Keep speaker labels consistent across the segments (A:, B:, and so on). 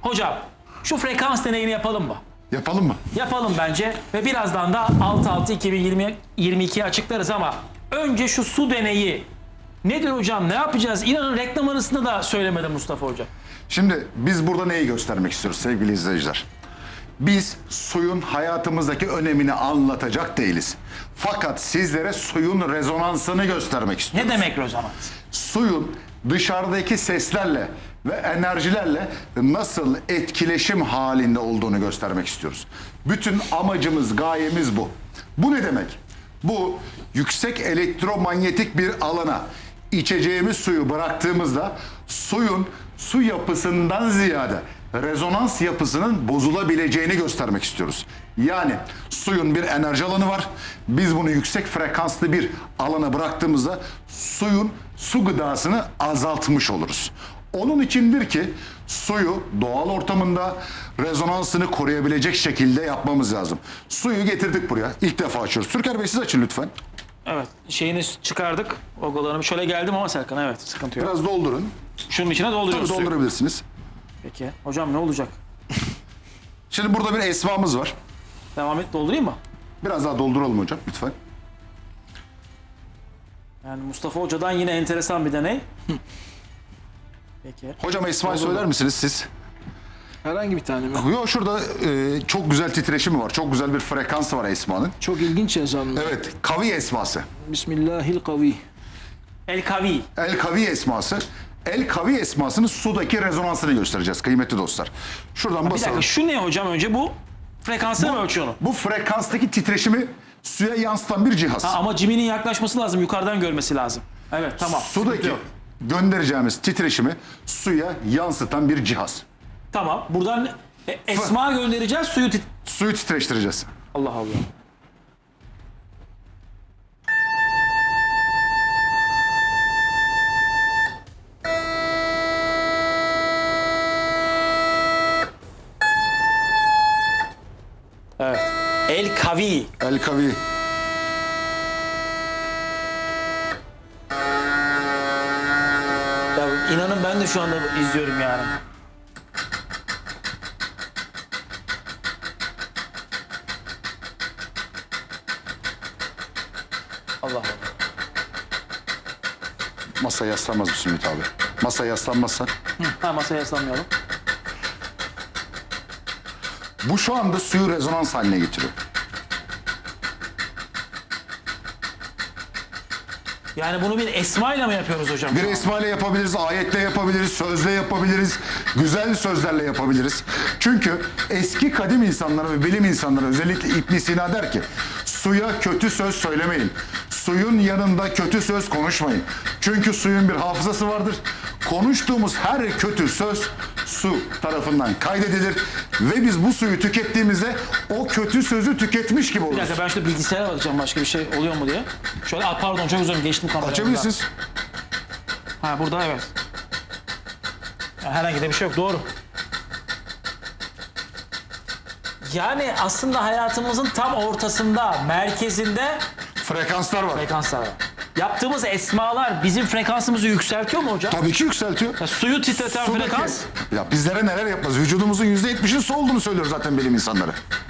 A: Hocam şu frekans deneyini yapalım mı?
B: Yapalım mı?
A: Yapalım bence ve birazdan da 6-6-2022'yi açıklarız ama önce şu su deneyi nedir hocam, ne yapacağız? İnanın reklam arasında da söylemedi Mustafa Hoca.
B: Şimdi biz burada neyi göstermek istiyoruz sevgili izleyiciler? Biz suyun hayatımızdaki önemini anlatacak değiliz. Fakat sizlere suyun rezonansını göstermek istiyoruz.
A: Ne demek rezonans?
B: Suyun dışarıdaki seslerle ve enerjilerle nasıl etkileşim halinde olduğunu göstermek istiyoruz. Bütün amacımız, gayemiz bu. Bu ne demek? Bu yüksek elektromanyetik bir alana içeceğimiz suyu bıraktığımızda suyun su yapısından ziyade rezonans yapısının bozulabileceğini göstermek istiyoruz. Yani suyun bir enerji alanı var. Biz bunu yüksek frekanslı bir alana bıraktığımızda suyun su gıdasını azaltmış oluruz. Onun içindir ki suyu doğal ortamında rezonansını koruyabilecek şekilde yapmamız lazım. Suyu getirdik buraya. İlk defa açıyoruz. Türker Bey siz açın lütfen.
A: Evet, şeyini çıkardık. Ogolarımı şöyle geldim ama Serkan, evet, sıkıntı yok.
B: Biraz doldurun.
A: Şunun içine dolduruyoruz
B: Tabii
A: suyu.
B: doldurabilirsiniz.
A: Peki. Hocam ne olacak?
B: Şimdi burada bir esmamız var.
A: Devam et, doldurayım mı?
B: Biraz daha dolduralım hocam lütfen.
A: Yani Mustafa Hoca'dan yine enteresan bir deney. Peki.
B: Hocam esmayı söyler misiniz siz?
C: Herhangi bir tane mi?
B: Yok şurada çok güzel titreşimi var. Çok güzel bir frekansı var esmanın.
C: Çok ilginç yazan.
B: Evet, kavi esması.
C: Bismillahirrahmanirrahim.
A: El Kavi.
B: El kavi esması. El kavi esmasının sudaki rezonansını göstereceğiz kıymetli dostlar. Şuradan
A: Bir
B: basalım.
A: dakika, şu ne hocam önce bu? Frekansını mı ölçüyor onu?
B: Bu frekanstaki titreşimi suya yansıtan bir cihaz.
A: Ama Jimmy'nin yaklaşması lazım, yukarıdan görmesi lazım. Evet, tamam. Sıkıntı
B: Sudaki
A: yok.
B: göndereceğimiz titreşimi suya yansıtan bir cihaz.
A: Tamam, buradan esma göndereceğiz,
B: Suyu titreştireceğiz.
A: Allah Allah. Evet. El Kavi.
B: El kavi.
A: Ya inanın ben de şu anda izliyorum yani. Allah Allah.
B: Masaya yaslanmaz mısın Ümit abi? Masaya yaslanmazsan.
A: Ha, masaya yaslanmayalım.
B: Bu şu anda suyu rezonans haline getiriyor.
A: Yani bunu bir esmayla mı yapıyoruz hocam?
B: Bir esmayla yapabiliriz, ayetle yapabiliriz, sözle yapabiliriz, güzel sözlerle yapabiliriz. Çünkü eski kadim insanlar ve bilim insanları özellikle İbn Sina der ki suya kötü söz söylemeyin. Suyun yanında kötü söz konuşmayın. Çünkü suyun bir hafızası vardır. Konuştuğumuz her kötü söz su tarafından kaydedilir ve biz bu suyu tükettiğimizde o kötü sözü tüketmiş gibi
A: Bir
B: oluruz.
A: dakika, ben şurada bilgisayara bakacağım başka bir şey oluyor mu diye. Şöyle, pardon, çok özür dilerim, geçtim kamerayı.
B: Açabilirsiniz.
A: Ha, burada evet. Yani herhangi de bir şey yok, doğru. Yani aslında hayatımızın tam ortasında, merkezinde
B: Frekanslar var.
A: frekanslar var. Yaptığımız esmalar bizim frekansımızı yükseltiyor mu hocam?
B: Tabii ki yükseltiyor.
A: Ya suyu titreten
B: Sudaki-
A: frekans.
B: Ya bizlere neler yapmaz? Vücudumuzun %70'in su olduğunu söylüyor zaten bilim insanları.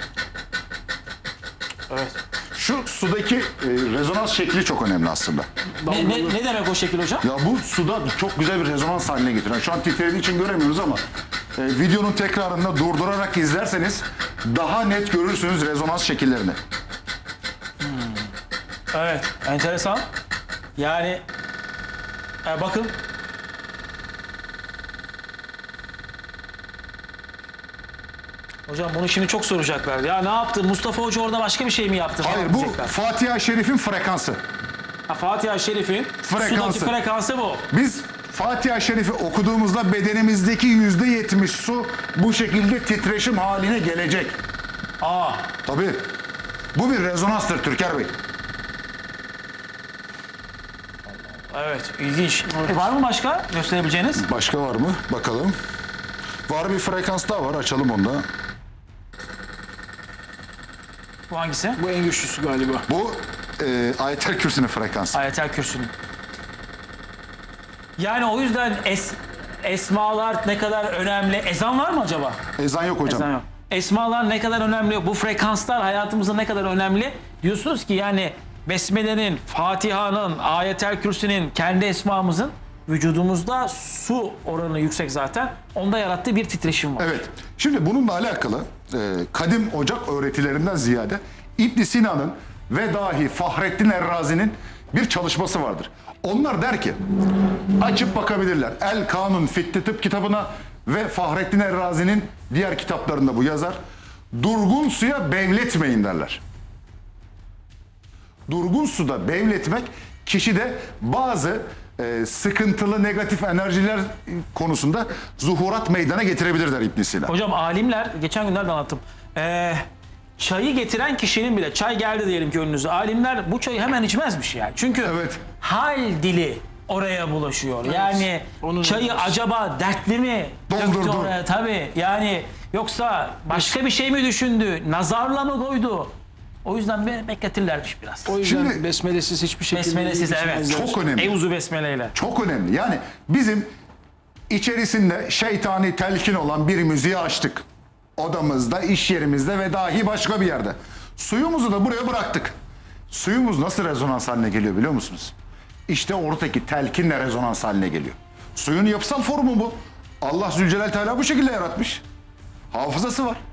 A: Evet.
B: Şu sudaki rezonans şekli çok önemli aslında.
A: Ne demek o şekil hocam?
B: Ya bu suda çok güzel bir rezonans haline getiriyor. Şu an titrediği için göremiyoruz ama videonun tekrarında durdurarak izlerseniz daha net görürsünüz rezonans şekillerini.
A: Evet, enteresan. Yani bakın. Hocam bunu şimdi çok soracaklar. Ya ne yaptı? Mustafa Hoca orada başka bir şey mi yaptı? falan
B: Hayır bu
A: diyecekler.
B: Fatiha-i Şerif'in frekansı.
A: Ha, Fatiha-i Şerif'in
B: Frekansı.
A: sudaki frekansı bu.
B: Biz Fatiha-i Şerif'i okuduğumuzda bedenimizdeki %70 su bu şekilde titreşim haline gelecek.
A: Aa,
B: Tabii. Bu bir rezonanstır Türker Bey.
A: evet, ilginç. Var mı başka gösterebileceğiniz?
B: Başka var mı? Bakalım. Var bir frekans daha var. Açalım onu da.
A: Bu hangisi?
C: Bu en güçlüsü galiba.
B: Bu Ayetel Kürsü'nün frekansı.
A: Ayetel Kürsü'nün. Yani o yüzden esmalar ne kadar önemli. Ezan var mı acaba?
B: Ezan yok hocam.
A: Ezan yok. Esmalar ne kadar önemli, bu frekanslar hayatımızda ne kadar önemli. Diyorsunuz ki yani Besmele'nin, Fatiha'nın, Ayetel Kürsi'nin, kendi esmamızın vücudumuzda su oranı yüksek zaten. Onda yarattığı bir titreşim var.
B: Evet. Şimdi bununla alakalı kadim ocak öğretilerinden ziyade İbn Sina'nın ve dahi Fahrettin Errazi'nin bir çalışması vardır. Onlar der ki, açıp bakabilirler. El Kanun Fitti Tıp kitabına ve Fahrettin Errazi'nin diğer kitaplarında bu yazar. Durgun suya bevletmeyin derler. Durgun suda bevletmek kişide bazı sıkıntılı negatif enerjiler konusunda zuhurat meydana getirebilir der İbn Sina.
A: Hocam alimler, geçen günlerde anlattım. Çayı getiren kişinin bile, çay geldi diyelim ki önünüze. Alimler bu çayı hemen içmezmiş yani. Çünkü
B: Evet.
A: hal dili oraya bulaşıyor. Yani
C: Onun
A: çayı
C: olmaz.
A: acaba dertli mi
B: Doldurdu.
A: döktü oraya? Tabii yani, yoksa başka bir şey mi düşündü? Nazarla mı koydu? O yüzden bekletirlermiş biraz.
C: O yüzden
B: Şimdi-
C: besmelesiz hiçbir şekilde
A: Besmelesiz, evet.
C: içmezler.
B: Çok önemli.
A: Euzu besmeleyle.
B: Çok önemli. Yani bizim içerisinde şeytani telkin olan bir müziği açtık. Odamızda, iş yerimizde ve dahi başka bir yerde. Suyumuzu da buraya bıraktık. Suyumuz nasıl rezonans haline geliyor biliyor musunuz? İşte oradaki telkinle rezonans haline geliyor. Suyun yapısal formu bu. Allah Zülcelal Teala bu şekilde yaratmış. Hafızası var.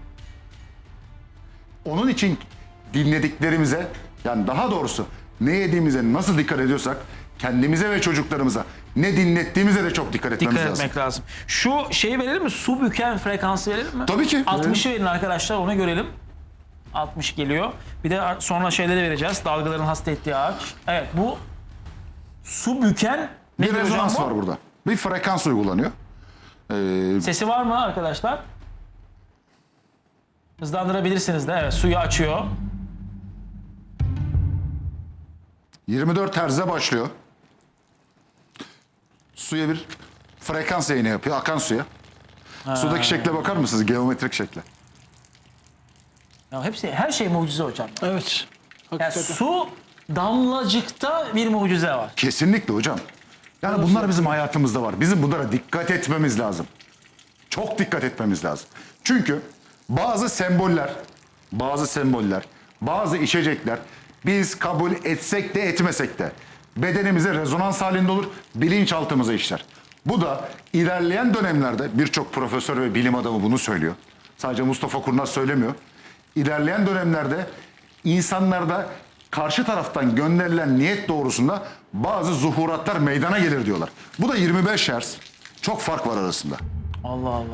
B: Onun için dinlediklerimize, yani daha doğrusu ne yediğimize nasıl dikkat ediyorsak kendimize ve çocuklarımıza ne dinlettiğimize de çok dikkat etmemiz
A: Dikkat
B: lazım.
A: etmek lazım. Şu şeyi verelim mi? Su büken frekansı verelim mi?
B: Tabii ki.
A: 60'ı verin arkadaşlar, onu görelim. 60 geliyor. Bir de sonra şeyleri vereceğiz. Dalgaların hasta ettiği ağaç. Evet, bu su büken
B: Bir
A: nedir hocam
B: rezonans
A: bu?
B: var burada. Bir frekans uygulanıyor.
A: Sesi var mı arkadaşlar? Hızlandırabilirsiniz de. Evet, suyu açıyor.
B: 24 Hz'e başlıyor. Suya bir frekans yayını yapıyor, akan suya. Sudaki şekle bakar mısınız? Geometrik şekle.
A: Ya hepsi, her şey mucize hocam.
C: Evet.
A: Yani
C: Hakikaten.
A: su damlacıkta bir mucize var.
B: Kesinlikle hocam. Yani bunlar bizim hayatımızda var. Bizim bunlara dikkat etmemiz lazım. Çok dikkat etmemiz lazım. Çünkü bazı semboller, bazı içecekler biz kabul etsek de etmesek de bedenimize rezonans halinde olur, bilinçaltımıza işler. Bu da ilerleyen dönemlerde birçok profesör ve bilim adamı bunu söylüyor. Sadece Mustafa Kurnaz söylemiyor. İlerleyen dönemlerde insanlarda karşı taraftan gönderilen niyet doğrusunda bazı zuhuratlar meydana gelir diyorlar. Bu da 25 Hz. Çok fark var arasında.
A: Allah Allah.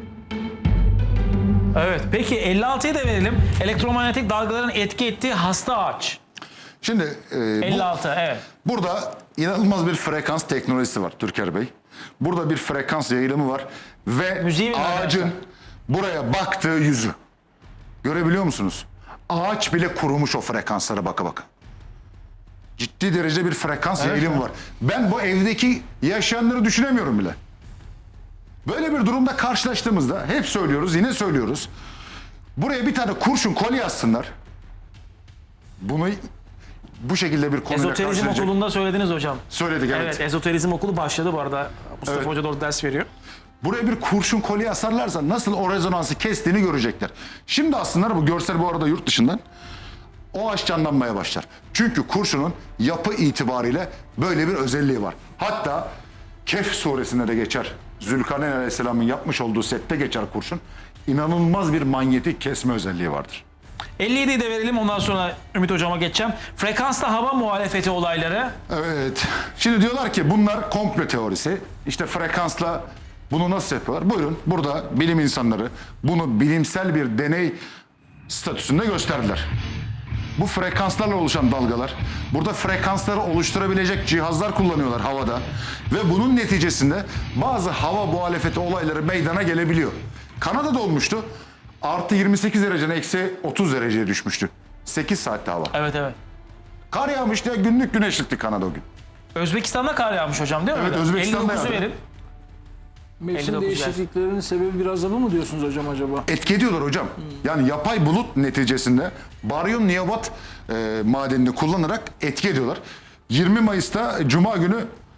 A: Evet, peki 56'yı da verelim. Elektromanyetik dalgaların etki ettiği hasta ağaç.
B: Şimdi bu,
A: 56, evet.
B: burada inanılmaz bir frekans teknolojisi var Türker Bey. Burada bir frekans yayılımı var ve
A: Müziği mi
B: ağacın
A: versen?
B: buraya baktığı yüzü. Görebiliyor musunuz? Ağaç bile kurumuş o frekanslara baka baka. Ciddi derecede bir frekans yayılımı var. Ben bu evdeki yaşayanları düşünemiyorum bile. Böyle bir durumda karşılaştığımızda hep söylüyoruz, yine söylüyoruz. Buraya bir tane kurşun kolye atsınlar. Bunu bu şekilde bir konuyla
A: Ezoterizm
B: karşılayacak.
A: okulunda söylediniz hocam.
B: Söyledik, evet.
A: Evet, ezoterizm okulu başladı bu arada. Mustafa
B: Evet.
A: Hoca da orada ders veriyor.
B: Buraya bir kurşun kolye asarlarsa nasıl o rezonansı kestiğini görecekler. Şimdi aslında bu görsel bu arada yurt dışından o ağaç canlanmaya başlar. Çünkü kurşunun yapı itibariyle böyle bir özelliği var. Hatta Kehf suresinde de geçer. Zülkarneyn Aleyhisselam'ın yapmış olduğu sette geçer kurşun. İnanılmaz bir manyetik kesme özelliği vardır.
A: 57'yi de verelim, ondan sonra Ümit Hocam'a geçeceğim. Frekansla hava muhalefeti olayları.
B: Evet. Şimdi diyorlar ki bunlar komplo teorisi. İşte frekansla bunu nasıl yapıyorlar? Buyurun, burada bilim insanları bunu bilimsel bir deney statüsünde gösterdiler. Bu frekanslarla oluşan dalgalar, burada frekansları oluşturabilecek cihazlar kullanıyorlar havada ve bunun neticesinde bazı hava muhalefeti olayları meydana gelebiliyor. Kanada'da olmuştu. Artı 28 dereceden eksi 30 dereceye düşmüştü. 8 saatte hava.
A: Evet, evet.
B: Kar yağmıştı ya, günlük güneşlikti Kanada o gün.
A: Özbekistan'da kar yağmış hocam, değil mi?
B: Evet,
A: öyle?
B: Özbekistan'da
A: 59'u
B: yağdı.
A: verin.
C: Mevsim
A: 59
C: değişikliklerinin sebebi biraz da bu mu diyorsunuz hocam acaba?
B: Etki ediyorlar hocam. Yani yapay bulut neticesinde baryum niyabat madenini kullanarak etki ediyorlar. 20 Mayıs'ta Cuma günü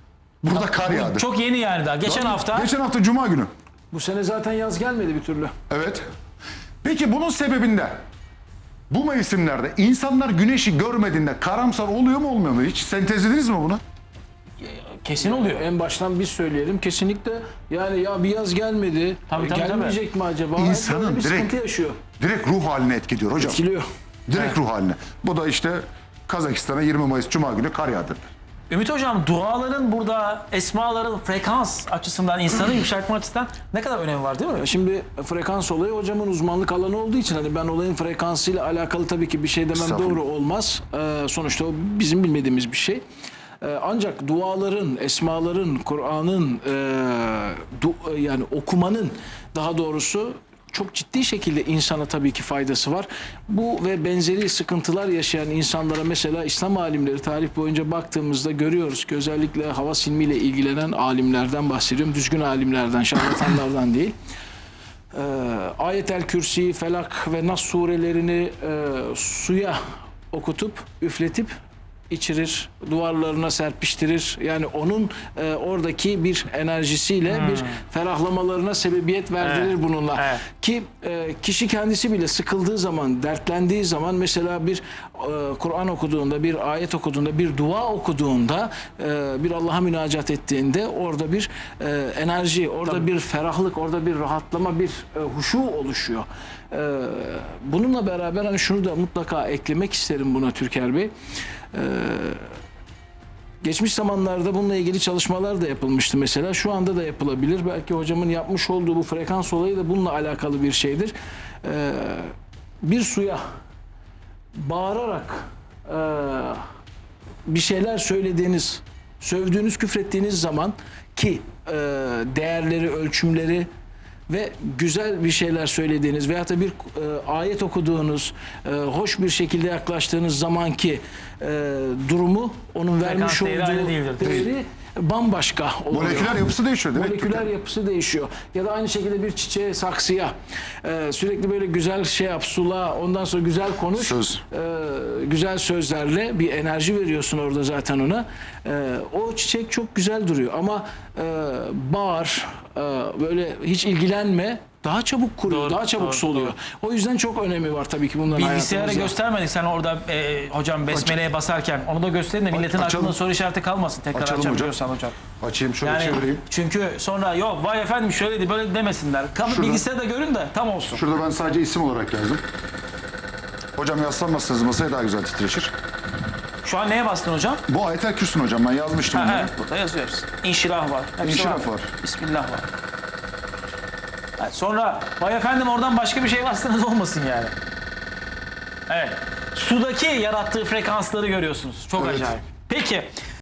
B: Burada kar yağdı.
A: Çok yeni yani daha. Geçen hafta.
B: Geçen hafta Cuma günü.
C: Bu sene zaten yaz gelmedi bir türlü.
B: Evet. Peki bunun sebebinde bu mevsimlerde insanlar güneşi görmediğinde karamsar oluyor mu olmuyor mu? Hiç sentezlediniz mi bunu?
A: Kesin oluyor.
C: En baştan biz söyleyelim. Kesinlikle yani ya bir yaz gelmedi.
A: Tabii, tabii,
C: Gelmeyecek mi acaba?
B: İnsanın
C: Böyle bir
B: direkt-
C: sıkıntı yaşıyor.
B: Direkt ruh haline etkiliyor hocam.
C: Etkiliyor.
B: Direkt ruh haline. Bu da işte Kazakistan'a 20 Mayıs Cuma günü kar yağdı.
A: Ümit Hocam, duaların burada esmaların frekans açısından, insanı yükseltme açısından ne kadar önemi var değil mi?
C: Şimdi frekans olayı hocamın uzmanlık alanı olduğu için hani ben olayın frekansıyla alakalı tabii ki bir şey demem
B: Estağfurullah.
C: doğru olmaz. Sonuçta o bizim bilmediğimiz bir şey. Ancak duaların, esmaların, Kur'an'ın yani okumanın daha doğrusu çok ciddi şekilde insana tabii ki faydası var. Bu ve benzeri sıkıntılar yaşayan insanlara mesela İslam alimleri tarih boyunca baktığımızda görüyoruz ki özellikle hava silmiyle ilgilenen alimlerden bahsediyorum. Düzgün alimlerden, şarlatanlardan değil. Ayetel Kürsi, Felak ve Nas surelerini suya okutup, üfletip içirir, duvarlarına serpiştirir. Yani onun oradaki bir enerjisiyle bir ferahlamalarına sebebiyet verdirir
A: Evet.
C: bununla.
A: Evet.
C: Ki kişi kendisi bile sıkıldığı zaman, dertlendiği zaman mesela bir Kur'an okuduğunda, bir ayet okuduğunda, bir dua okuduğunda, bir Allah'a münacat ettiğinde orada bir enerji, orada bir ferahlık, orada bir rahatlama, bir huşu oluşuyor. Bununla beraber hani şunu da mutlaka eklemek isterim buna Türker Bey. Geçmiş zamanlarda bununla ilgili çalışmalar da yapılmıştı mesela. Şu anda da yapılabilir. Belki hocamın yapmış olduğu bu frekans olayı da bununla alakalı bir şeydir. Bir suya bağırarak bir şeyler söylediğiniz, sövdüğünüz, küfrettiğiniz zaman ki değerleri, ölçümleri ve güzel bir şeyler söylediğiniz veyahut da bir ayet okuduğunuz, hoş bir şekilde yaklaştığınız zamanki durumu, onun vermiş
A: değeri aynı
C: olduğu
A: değildir.
C: değeri bambaşka oluyor.
B: Moleküler yapısı değişiyor değil mi?
C: Moleküler yapısı değişiyor. Ya da aynı şekilde bir çiçeğe, saksıya sürekli böyle güzel şey yap, sula, ondan sonra güzel konuş.
B: Söz.
C: Güzel sözlerle bir enerji veriyorsun orada zaten ona. O çiçek çok güzel duruyor ama bağır, böyle hiç ilgilenme, daha çabuk kuruyor,
A: Doğru,
C: daha çabuk
A: doğru,
C: soluyor. O yüzden çok önemi var tabii ki bunların
A: Bilgisayara
C: hayatımızda.
A: göstermedik sen orada hocam besmeleye basarken. Onu da gösterin de milletin
B: Açalım.
A: aklında soru işareti kalmasın. Tekrar
B: Açalım
A: açabiliyorsan hocam.
B: Açayım şöyle
A: Yani
B: çevireyim.
A: çünkü sonra yok vay efendim şöyleydi böyle demesinler. Bilgisayarda görün de tam olsun.
B: Şurada ben sadece isim olarak yazdım. Hocam yaslanmazsanız masaya daha güzel titreşir.
A: Şu an neye bastın hocam?
B: Bu Ayetel Kürsün hocam, ben yazmıştım
A: Ha,
B: onları.
A: evet, burada yazıyoruz. İnşirah var. Hepsi
B: İnşirah var.
A: Bismillah var. Evet, sonra vay efendim oradan başka bir şey bastınız olmasın yani. Evet. Sudaki yarattığı frekansları görüyorsunuz. Çok
B: Evet.
A: acayip. Peki.